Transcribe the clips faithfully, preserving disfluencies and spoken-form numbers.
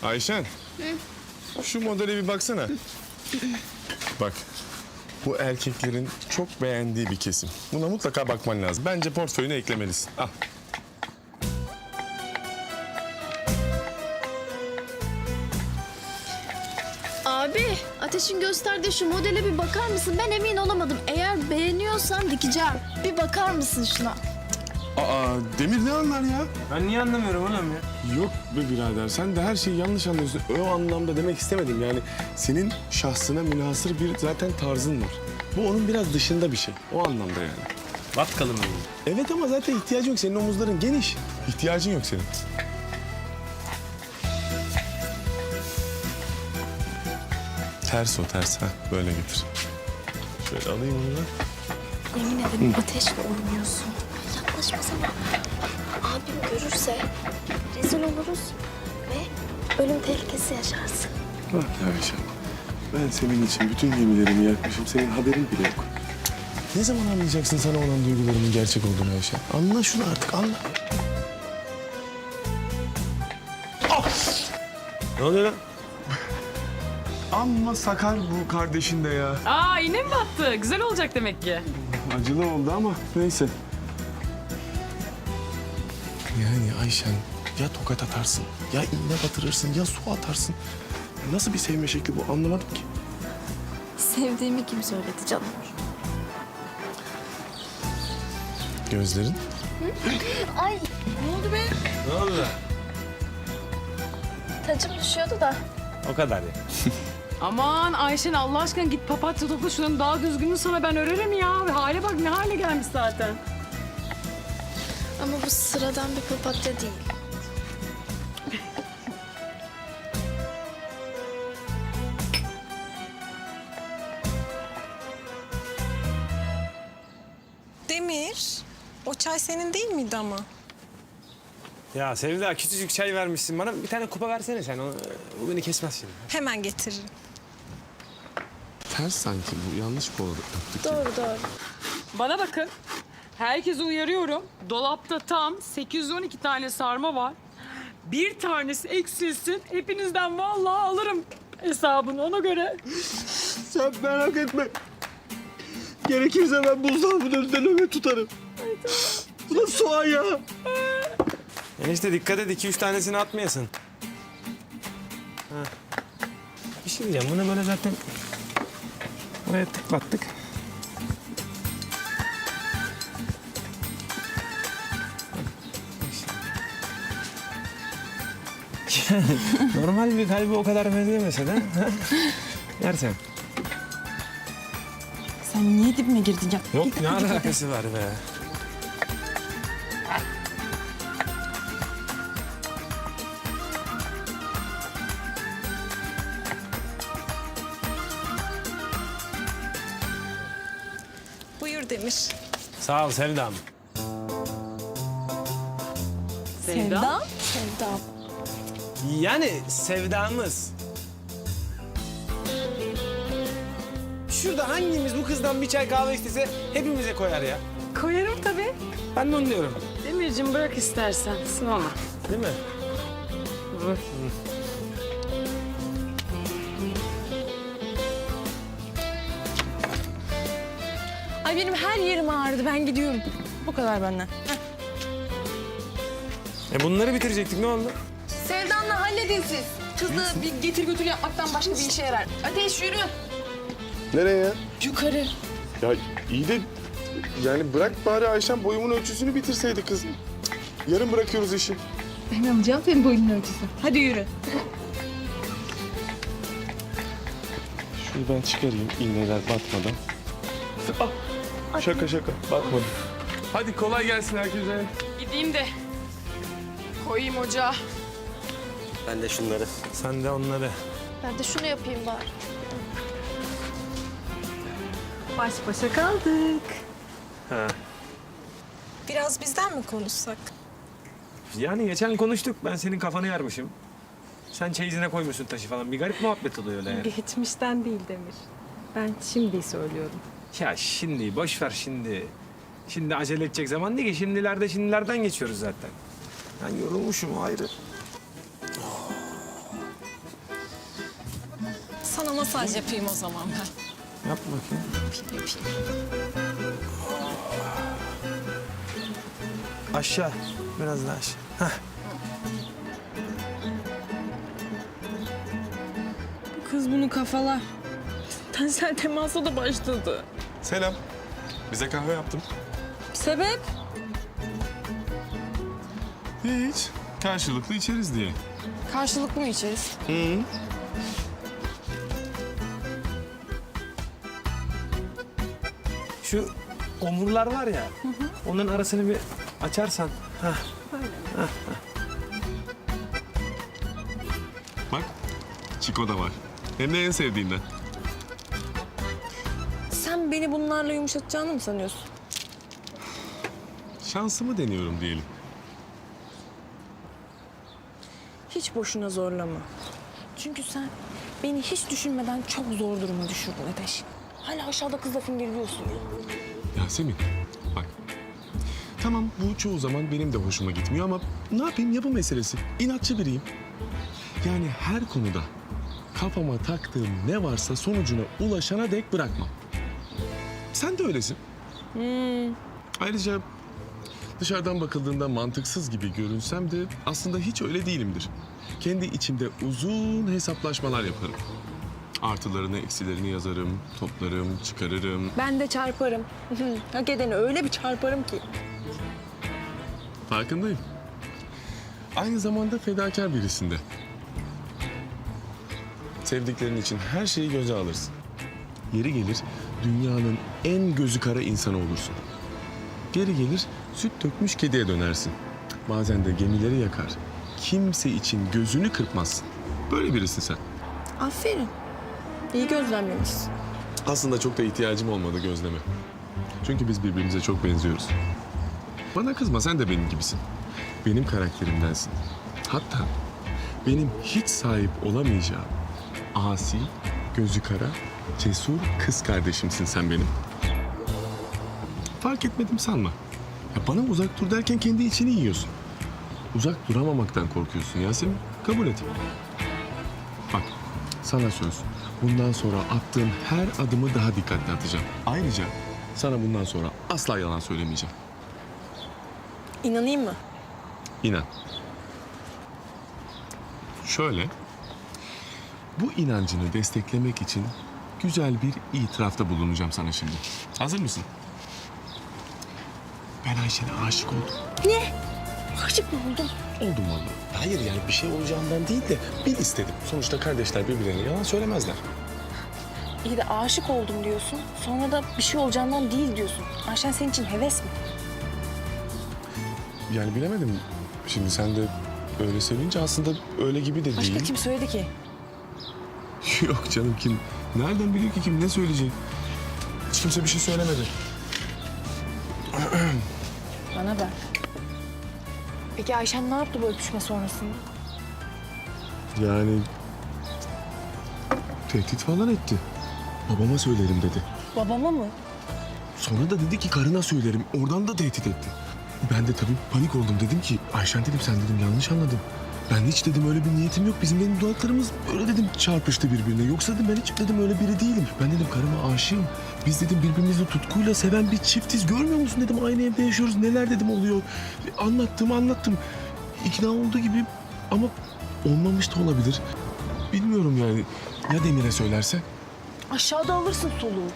Ayşen. Şu modele bir baksana. Bak. Bu erkeklerin çok beğendiği bir kesim. Buna mutlaka bakman lazım. Bence portföyüne eklemelisin. Al. Abi, Ateş'in gösterdiği şu modele bir bakar mısın? Ben emin olamadım. Eğer beğeniyorsan dikeceğim. Bir bakar mısın şuna? Aa, Demir ne anlar ya? Ben niye anlamıyorum oğlum ya? Yok be birader, sen de her şeyi yanlış anlıyorsun. O anlamda demek istemedim. Yani senin şahsına münhasır bir zaten tarzın var. Bu onun biraz dışında bir şey. O anlamda yani. Vatkalı mı? Evet ama zaten ihtiyacın yok. Senin omuzların geniş. İhtiyacın yok senin. Ters o ters. Ha böyle getir. Şöyle alayım onu da. Yemin ederim Ateş'le oynuyorsun. Yaklaşmasana. Abim görürse rezil oluruz ve ölüm tehlikesi yaşarsın. Bak ya Ayşe, ben senin için bütün gemilerimi yakmışım. Senin haberin bile yok. Ne zaman anlayacaksın sana olan duygularımın gerçek olduğunu Ayşe? Anla şunu artık, anla. Ne oluyor lan? Amma sakar bu kardeşin de ya. Aa yine mi battı? Güzel olacak demek ki. Acılı oldu ama neyse. Yani Ayşen ya tokat atarsın, ya iğne batırırsın, ya su atarsın. Nasıl bir sevme şekli bu anlamadım ki. Sevdiğimi kim söyledi canım? Gözlerin? Ay Ne oldu be? Ne oldu? tacım düşüyordu da. O kadar ya. Aman Ayşen Allah aşkına git papatya topla şunun daha düzgününü sana ben örerim ya. Hale bak ne hale gelmiş zaten. Ama bu sıradan bir papatya değil. Demir, o çay senin değil miydi ama? Ya Sevda küçücük çay vermişsin bana. Bir tane kupa versene sen. O, o beni kesmez şimdi. Hemen getiririm. Ters sanki bu, yanlış bu oldu. Doğru doğru. Bana bakın. Herkese uyarıyorum. Dolapta tam sekiz yüz on iki tane sarma var. Bir tanesi eksilsin. Hepinizden vallahi alırım hesabını ona göre. Sen merak etme. Gerekirse ben buzdolabının önünde nöbet tutarım. Bu da soğan ya. Enişte dikkat et, iki üç tanesini atmayasın. Ha. Bir şey diyeceğim, bunu böyle zaten oraya tıklattık. Normal bir kalbi o kadar benzemese de. ha? Yersen. Sen niye dibime girdin ya? Yok ne alakası var be? Buyur Demir. Sağ ol Sevdam. Sevda? Sevdam. Yani sevdamız. Şurada hangimiz bu kızdan bir çay kahve istese hepimize koyar ya. Koyarım tabii. Ben de onu diyorum. Demirciğim bırak istersen. Sınama. Değil mi? Hı. Ay benim her yerim ağrıdı. Ben gidiyorum. Bu kadar benden. E bunları bitirecektik, ne oldu? Sevdan'la halledin siz. Kızı bir getir götür yapmaktan başka bir işe yarar. Ateş yürü. Nereye ya? Yukarı. Ya iyi de yani bırak bari Ayşen boyumun ölçüsünü bitirseydi kız. Cık, yarın bırakıyoruz işi. Ben alacağım senin boyunun ölçüsü. Hadi yürü. Şunu ben çıkarayım iğneler batmadan. Ah, şaka şaka batmadım. Hadi kolay gelsin herkese. Gideyim de koyayım ocağa. Ben de şunları. Sen de onları. Ben de şunu yapayım bari. Baş başa kaldık. Ha. Biraz bizden mi konuşsak? Yani geçen konuştuk, ben senin kafanı yarmışım. Sen çeyizine koymuşsun taşı falan. Bir garip muhabbet oluyor öyle yani. Geçmişten değil Demir. Ben şimdi söylüyorum. Ya şimdi boş ver şimdi. Şimdi acele edecek zaman değil ki. Şimdilerde şimdilerden geçiyoruz zaten. Ben yorulmuşum o ayrı. Sana masaj yapayım o zaman ben. Yap bakayım. Aşağı. Biraz daha aşağı. Heh. Kız bunu kafalar. Tensel temasa da başladı. Selam. Bize kahve yaptım. Sebep? Hiç. Karşılıklı içeriz diye. Karşılıklı mı içeriz? Şu omurlar var ya. Onların arasını bir açarsan. Heh. Bak, Çiko da var. Hem de en sevdiğinden. Sen beni bunlarla yumuşatacağını mı sanıyorsun? Şansımı deniyorum diyelim. Hiç boşuna zorlama. Çünkü sen beni hiç düşünmeden çok zor duruma düşürdün Ateş. Hala aşağıda kızla fingirliyorsun ya. Yasemin, bak. Tamam, bu çoğu zaman benim de hoşuma gitmiyor ama ne yapayım, yapı meselesi. İnatçı biriyim. Yani her konuda kafama taktığım ne varsa sonucuna ulaşana dek bırakmam. Sen de öylesin. Ayrıca dışarıdan bakıldığında mantıksız gibi görünsem de aslında hiç öyle değilimdir. Kendi içimde uzun hesaplaşmalar yaparım. Artılarını, eksilerini yazarım, toplarım, çıkarırım. Ben de çarparım. Hak edeni öyle bir çarparım ki. Farkındayım. Aynı zamanda fedakar birisinde. Sevdiklerin için her şeyi göze alırsın. Yeri gelir dünyanın en gözü kara insanı olursun. Geri gelir süt dökmüş kediye dönersin. Bazen de gemileri yakar. Kimse için gözünü kırpmazsın. Böyle birisin sen. Aferin. İyi gözlemlemişsin. Aslında çok da ihtiyacım olmadı gözleme. Çünkü biz birbirimize çok benziyoruz. Bana kızma, sen de benim gibisin. Benim karakterimdensin. Hatta benim hiç sahip olamayacağım asi, gözü kara, cesur kız kardeşimsin sen benim. Fark etmedim sanma. Ya bana uzak dur derken kendi içini yiyorsun. Uzak duramamaktan korkuyorsun Yasemin. Kabul et. Bak, sana söz. Bundan sonra attığım her adımı daha dikkatli atacağım. Ayrıca sana bundan sonra asla yalan söylemeyeceğim. İnanayım mı? İnan. Şöyle, bu inancını desteklemek için güzel bir itirafta bulunacağım sana şimdi. Hazır mısın? Ben Ayşe'ne aşık oldum. Aşık mı oldun? Oldum vallahi. Hayır yani bir şey olacağından değil de bil istedim. Sonuçta kardeşler birbirlerine yalan söylemezler. İyi de aşık oldum diyorsun. Sonra da bir şey olacağından değil diyorsun. Ayşen senin için heves mi? Yani bilemedim. Şimdi sen de öyle söyleyince aslında öyle gibi de değil. Başka kim söyledi ki? Yok canım, kim? Nereden biliyor ki kim ne söyleyecek? Hiç kimse bir şey söylemedi. Bana bak. Peki Ayşen ne yaptı bu öpüşme sonrasında? Yani tehdit falan etti. Babama söylerim dedi. Babama mı? Sonra da dedi ki karına söylerim. Oradan da tehdit etti. Ben de tabii panik oldum. Dedim ki Ayşen dedim, sen dedim yanlış anladın. Ben hiç dedim öyle bir niyetim yok. Bizim dedim dudaklarımız öyle dedim çarpıştı birbirine. Yoksa dedim ben hiç dedim öyle biri değilim. Ben dedim karıma aşığım. Biz dedim birbirimizi tutkuyla seven bir çiftiz. Görmüyor musun dedim, aynı evde yaşıyoruz. Neler dedim oluyor. Anlattım anlattım. İkna olduğu gibi ama olmamış da olabilir. Bilmiyorum yani. Ya Demir'e söylerse? Aşağıda alırsın soluğu.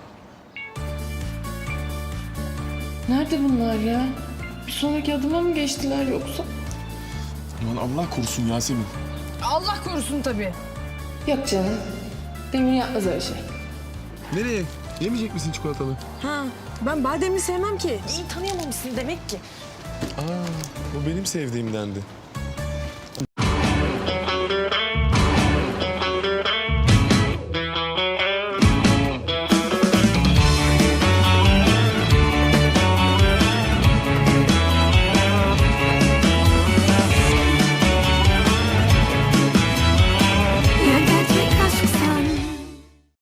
Nerede bunlar ya? Bir sonraki adıma mı geçtiler yoksa? Aman Allah korusun Yasemin. Allah korusun tabii. Yok canım. Demir yapmaz öyle şey. Nereye? Yemeyecek misin çikolatalı? Ha, ben bademli sevmem ki. İyi tanıyamamışsın demek ki. Aa, bu benim sevdiğimdendi.